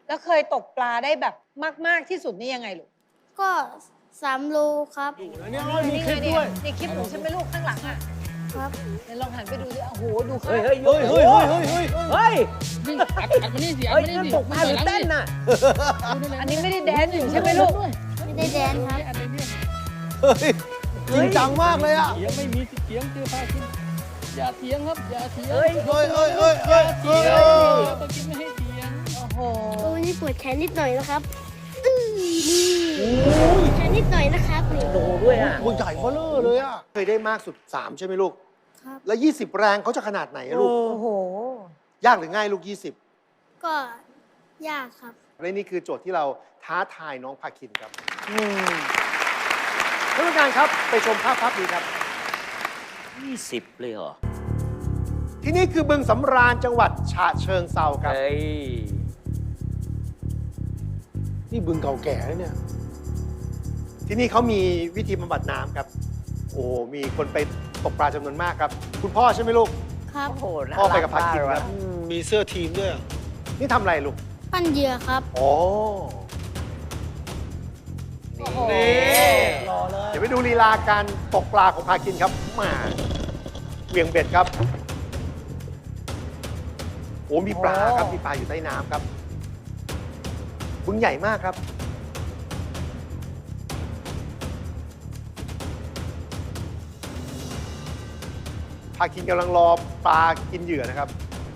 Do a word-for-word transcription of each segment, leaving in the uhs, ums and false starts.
แล้วเคยตกปลาได้แบบมากๆที่สุดนี่ยังไงลูกก็สามโลครับเนี่ยมีคลิปนี่ด้วยนี่คลิปหนูใช่ไหมลูกข้างหลังอ่ะครับเดี๋ยวลองหันไปดูดิโอ้โหดูข้างเฮ้ยเฮ้ยเฮ้ยเฮ้ยเฮ้ยเฮ้ยเฮ้ยเฮ้ยวิ่งอัดอัดมานี่สิอัดเฮ้ยมานี่นั่นสิตกปลาหรือเต้นน่ะอันนี้ไม่ได้แดนอยู่ใช่ไหมลูกไม่ได้แดนครับอัดเลยเนี่ยเฮ้ยจริงจังมากเลยอ่ะเถียงไม่มีสิเถียงเจอพากินอย่าเถียงครับอย่าเถียงเฮ้ยเฮ้ยเฮ้ยเฮ้ยเฮ้ยเฮ้ยปากินไม่ให้เถียงโอ้โหตัวนี้ปวดแขนนิดหน่อยนะครับอื้อนี่แขนนิดหน่อยนะครับนี่โดด้วยอ่ะตัวใหญ่เบ้อเร่อเลยอ่ะ เคยได้มากสุดสามใช่ไหมลูกครับแล้วยี่สิบแรงเขาจะขนาดไหนอะลูกโอ้โหยากหรือง่ายลูกยี่สิบก็ยากครับและนี่คือโจทย์ที่เราท้าทายน้องพาคินครับท่านผู้การครับไปชมภาพภาพนี้ครับยี่สิบเลยเหรอที่นี่คือบึงสำราญจังหวัดฉะเชิงเทราครับเฮ้ยนี่บึงเก่าแก่แล้วเนี่ย ที่นี่เขามีวิธีบำบัดน้ำครับ โอ้ มีคนไปตกปลาจำนวนมากครับ คุณพ่อใช่ไหมลูกครับโอ้โหน่าพ่อไปรักับพาคินมครับเลยอืมมีเสื้อทีมด้วย นี่ทำอะไรลูกปั้นเหยื่อครับอ๋อโอ้โหนี่เดี๋ยวไปดูลีลาการตกปลาของพาคินครับมาเหวี่ยงเบ็ดครับ โอ้ มีปลาครับ มีปลาอยู่ใต้น้ำครับ บึงใหญ่มากครับ พาคินกำลังรอปลากินเหยื่อนะครับ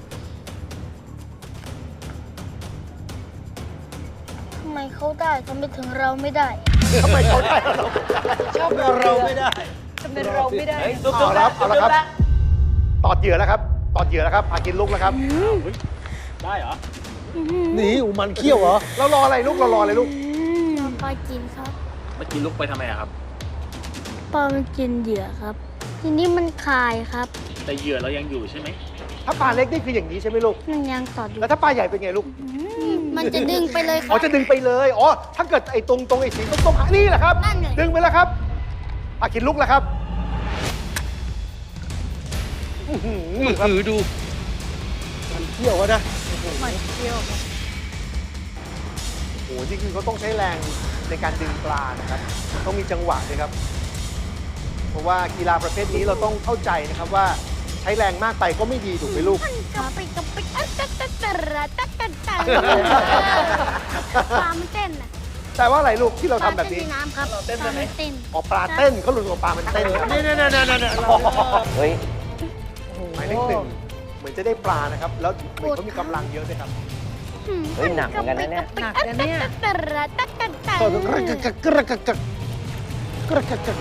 ทำไมเขาได้ทำไมถึงเราไม่ได้ทำไมเขาได้เราไม่ได้ชอบเราไม่ได้จะเป็นเราไม่ได้เฮ้ยตุ๊กเอาตุ๊กละครับเอาละครับ ตอดเหยื่อแล้วครับ ตอดเหยื่อแล้วครับ พากินลุกแล้วครับได้เหรอหนีอุมันเขี้ยวเหรอ เรารออะไรลูก เรารออะไรลูกเราปลากินครับเมื่อกี้ลุกไปทำไมอะครับปลามันกินเหยื่อครับ ทีนี้มันคายครับแต่เหยื่อเรายังอยู่ใช่ไหมถ้าปลาเล็กนี่คืออย่างนี้ใช่ไหมลูกมันยังตอดอยู่แล้วถ้าปลาใหญ่เป็นไงลูกมันจะดึงไปเลยคอ๋รัอบ จะดึงไปเลย อ๋อ ถ้าเกิดไอ้ตรงตรงไอ้สีส้มๆนี่แหละครับนั่นไงดึงไปแล้วครับพากินลุกแล้วครับอื้อหือครับถือดูมันเขี้ยวอะนะมันเที่ยวโอ้โห นี่คือเขาต้องใช้แรงในการดึงปลานะครับ ต้องมีจังหวะด้วยครับ เพราะว่ากีฬาประเภทนี้เราต้องเข้าใจนะครับว่าใช้แรงมากไปก็ไม่ดีถูกไหมลูกกับไปกับไปตักตักตักตักตักตักตักตักปลามันเต้นน่ะแต่ว่าอะไรลูกที่เราปลาทำแบบเต้นนี้ในน้ำครับปลามันเต้นออกปลาเต้นเขาหลุดออกปลามันเต้นครับนี่นี่นี่นี่นี่เฮ้ยหมายเลขหนึ่งเหมือนจะได้ปลานะครับ แล้วเหมือนเขามีกำลังเยอะด้วยครับเฮ้ยหนักเหมือนกันนะเนี่ยหนักนะเนี่ยตักตักตักตักตักกระกักกระกักกระกักกระกักกระกัก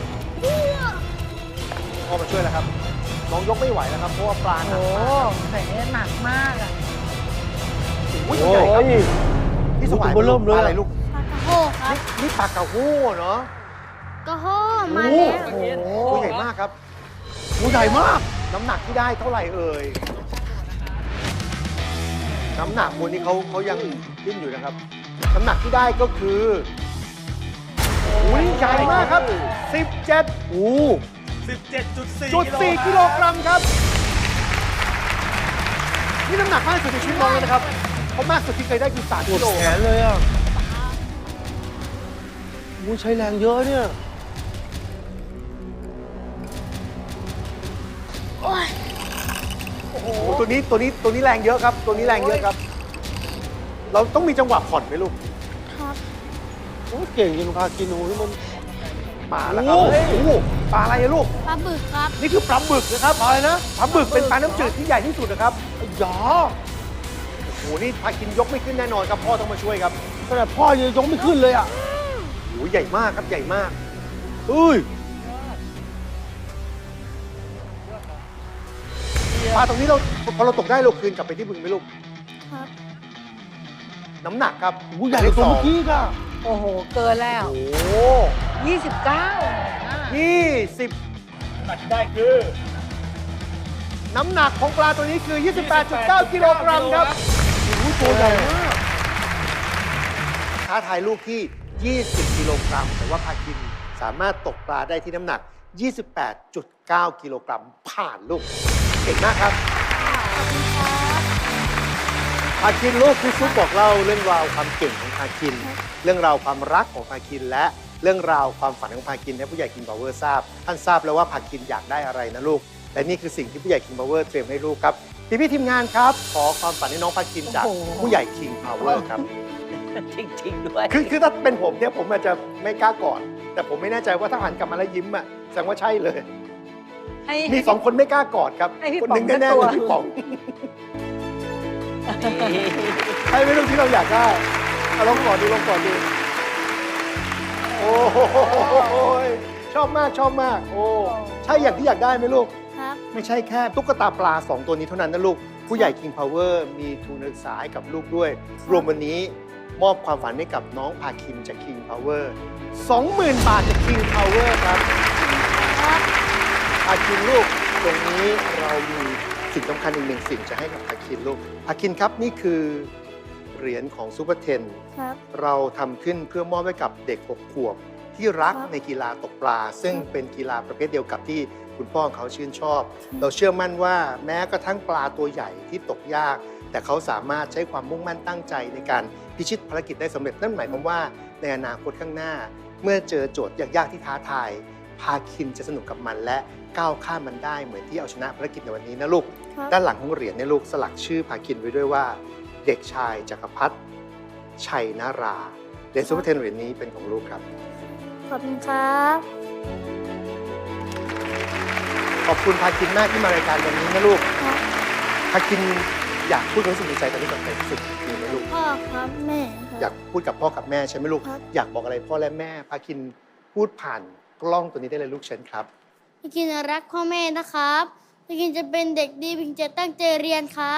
พ่อมาช่วยแล้วครับ น้องยกไม่ไหวแล้วครับ เพราะว่าปลาหนัโอ้กโหมากแต่เนี่ยหนักมากอ่ะโอ้ยใหญ่ครับนี่สวายตัวเริ่มเลยอะไรลูกปลากระโฮครับนี่นี่ปลากระโห้เนาะกระโฮมาแล้วโอ้โหตัวใหญ่มากครับตัวใหญ่มาก น้ำหนักที่ได้เท่าไหร่เอ่ย น้ำหนักคนนี้เขาเขายังดิ้นอยู่นะครับ น้ำหนักที่ได้ก็คืออุ้ยใหญ่มากครับ สิบเจ็ดโอ้จุดสี่กิโลกรัมครับ นี่น้ำหนักมากที่สุดในชีวิตน้องเลยนะครับ เพราะมากสุดที่เคยได้คือสามกิโลแขนเลยอ่ะโอ้ใช้แรงเยอะเนี่ยโอ้ยโอ้โหตัวนี้ตัวนี้ตัวนี้แรงเยอะครับ ตัวนี้แรงเยอะครับ เราต้องมีจังหวะผ่อนไหมลูกครับโอ้เก่งจริงพากินโอ้ยมันมาแล้วครับโอ้โหโอ้โหปลาอะไรอะลูกปลาบึกครับนี่คือปลาบึกนะครับอะไรนะปลาบึกเป็นปลาน้ำจืดที่ใหญ่ที่สุดนะครับไอ้ยาโอ้โห นี่พากินยกไม่ขึ้นแน่นอนครับพ่อต้องมาช่วยครับขนาดพ่อยังยกไม่ขึ้นเลยอ่ะโอ้โหใหญ่มากครับใหญ่มากเอ้ยปลาตรงนี้เราพอเราตกได้เราคืนกลับไปที่บึงไหมลูกครับน้ำหนักครับโอ้ใหญ่กว่าตัวเมื่อกี้ค่ะโอ้โห เกินแล้วโอ้โหยี่สิบเก้ายี่สิบหนักได้คือน้ำหนักของปลาตัวนี้คือ ยี่สิบแปดจุดเก้า กิโลกรัมครับโอ้โหตัวใหญ่มากท้าทายลูกที่ ยี่สิบ กิโลกรัม แต่ว่าพาคินสามารถตกปลาได้ที่น้ำหนัก ยี่สิบแปดจุดเก้า กิโลกรัม ผ่านลูก เก่งมากครับขอบคุณครับพาคินลูกพี่ซุปบอกเล่าเรื่องราวความเก่งของพาคิน เรื่องราวความรักของพาคินและเรื่องราวความฝันของพาคินให้ผู้ใหญ่ King Power ทราบ ท่านทราบแล้วว่าพาคินอยากได้อะไรนะลูกและนี่คือสิ่งที่ผู้ใหญ่ King Power เตรียมให้ลูกครับพี่พี่ๆทีมงานครับขอความฝันให้น้องพาคินจากผู้ใหญ่ King Power ครับจริงๆด้วยคือคือถ้าเป็นผมเนี่ยผมอาจจะไม่กล้ากอดแต่ผมไม่แน่ใจว่าถ้าหันกลับมาแล้วยิ้มอ่ะแสดงว่าใช่เลยให้มีสองคนไม่กล้ากอดครับให้พี่คนหนึ่งป๋องแน่ๆสักตัวคือพี่ป๋องใช่ไหมลูกที่เราอยากได้เอาลองกอดดูลองกอดดูโอ้โหชอบมากชอบมากโอ้ใช่อย่างที่อยากได้ไหมลูกครับไม่ใช่แค่ตุ๊กตาปลาสองตัวนี้เท่านั้นนะลูกผู้ใหญ่ King Power มีทุนการศึกษาให้กับลูกด้วย รวมวันนี้มอบความฝันให้กับน้องพาคินจาก King Power สองหมื่น บาทจาก King Power ครับพาคินลูกตรงนี้เรามีสิ่งสำคัญอีกหนึ่งสิ่งจะให้กับพาคินลูกพาคินครับนี่คือเหรียญของซูเปอร์เทนครับเราทำขึ้นเพื่อมอบให้กับเด็กหกขวบที่รักครับในกีฬาตกปลา ซึ่งเป็นกีฬาประเภทเดียวกับที่คุณพ่อของเขาชื่นชอบ เราเชื่อมั่นว่าแม้กระทั่งปลาตัวใหญ่ที่ตกยาก แต่เขาสามารถใช้ความมุ่งมั่นตั้งใจในการพิชิตภารกิจได้สำเร็จนั่นหมายความว่าในอนาคตข้างหน้า เมื่อเจอโจทย์ยากๆที่ท้าทายพาคินจะสนุกกับมันและก้าวข้ามมันได้เหมือนที่เอาชนะภารกิจในวันนี้นะลูกครับด้านหลังของเหรียญเนี่ยลูกสลักชื่อพาคินไว้ด้วยว่า เด็กชายจักรพัฒน์ชัยนาราเหรียญซูเปอร์เทนเหรียญนี้เป็นของลูกครับขอบคุณครับขอบคุณพาคินมากที่มารายการวันนี้นะลูกครับพาคินอยากพูดความรู้สึกในใจตอนนี้กับใครที่สุดมีไหมลูกพ่อครับแม่คอยารับกพูดกับพ่อกับแม่ใช่ไหมลูกครับอยากบอกอะไรพ่อและแม่พาคินพูดผ่านกล้องตัวนี้ได้เลยลูกเชิญครับพี่กินรักพ่อแม่นะครับพี่กินจะเป็นเด็กดีพี่กินจะตั้งใจเรียนครับ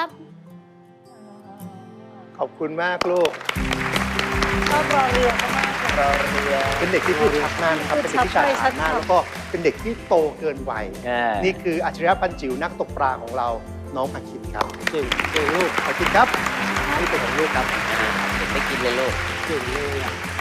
ขอบคุณมากลูกชอบรอเรือเขามากเลยเป็นเด็กที่พูดชัดมากนะครับ เป็นเด็กที่ฉลาดมากแล้วก็เป็นเด็กที่โตเกินวัยอ่านี่คืออัจฉริยะปันจิ๋วนักตกปลาของเราน้องพาคินครับเก่งเก่งลูกพาคินครับนี่เป็นของลูกครับอ่าเด็กไม่กินเลยลูกเก่งเลยอ่ะ